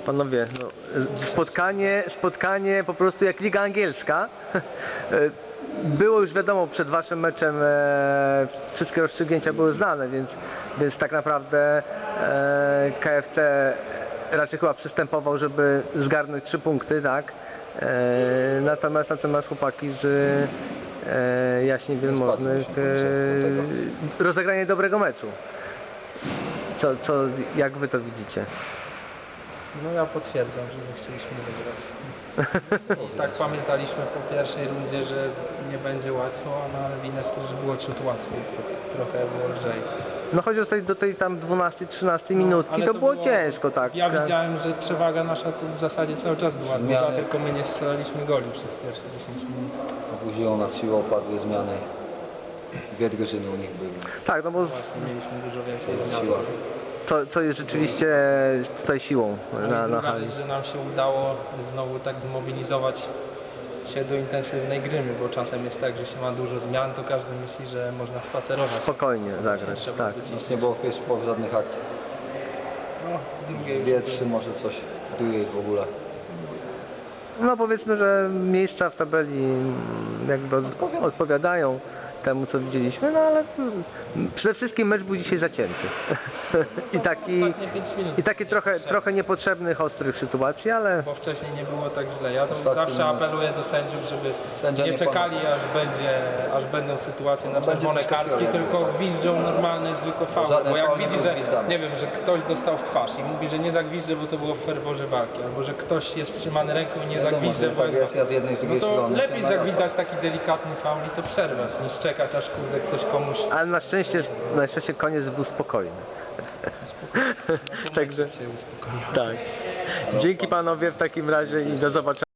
Panowie, no, spotkanie po prostu jak Liga Angielska. Było już wiadomo przed waszym meczem, wszystkie rozstrzygnięcia były znane, więc tak naprawdę KFC raczej chyba przystępował, żeby zgarnąć 3 punkty, tak? Natomiast chłopaki z Jaśni Wielmożnych rozegranie dobrego meczu. Jak wy to widzicie? No ja potwierdzam, że my chcieliśmy wygrać. I tak pamiętaliśmy po pierwszej rundzie, że nie będzie łatwo, no ale widać też, że było ciut łatwiej, trochę było lżej. No choć do tej tam 12-13 minutki ale to było ciężko, tak. Ja tak. widziałem, że przewaga nasza to w zasadzie cały czas była duża, tylko my nie strzelaliśmy goli przez pierwsze 10 minut. Obudziło nas siłą, padły zmiany. Dwie drużyny u nich były. Tak, no bo Właśnie mieliśmy dużo więcej zmian. Siła. co jest rzeczywiście tutaj siłą na Druga hali. rzecz, że nam się udało znowu tak zmobilizować się do intensywnej gry, bo czasem jest tak, że się ma dużo zmian, to każdy myśli, że można spacerować. Spokojnie zagrać, Trzeba tak. docisnąć. Nie było w pierwszej połowie żadnych akcji. No, w drugiej Dwie, trzy, może coś, w drugiej w ogóle. No powiedzmy, że miejsca w tabeli jakby odpowiadają temu, co widzieliśmy, no ale przede wszystkim mecz był dzisiaj zacięty. ostatnie 5 minut. I taki trochę niepotrzebnych, ostrych sytuacji, ale Bo wcześniej nie było tak źle. Ja to Ostatni zawsze moment. apeluję do sędziów, żeby Sędzia nie nie czekali aż będą sytuacje na będzie czerwone coś kartki, takiego, tylko tak. gwiżdżą normalny, zwykły faul. Żaden Bo jak faul nie widzi, był że gwizdany. nie wiem, że ktoś dostał w twarz i mówi, że nie zagwiżdże, bo to było w ferworze walki, albo że ktoś jest trzymany ręką i nie Wiadomo, zagwiżdże, że jest bo jest agresja z jednej, z no drugiej to strony. lepiej się naraża. zagwizdać taki delikatny faul i to przerwać, niż czekać, aż kurde ktoś komuś ale na szczęście koniec był spokojny. Także się uspokoi. tak. Dzięki panowie w takim razie i do zobaczenia.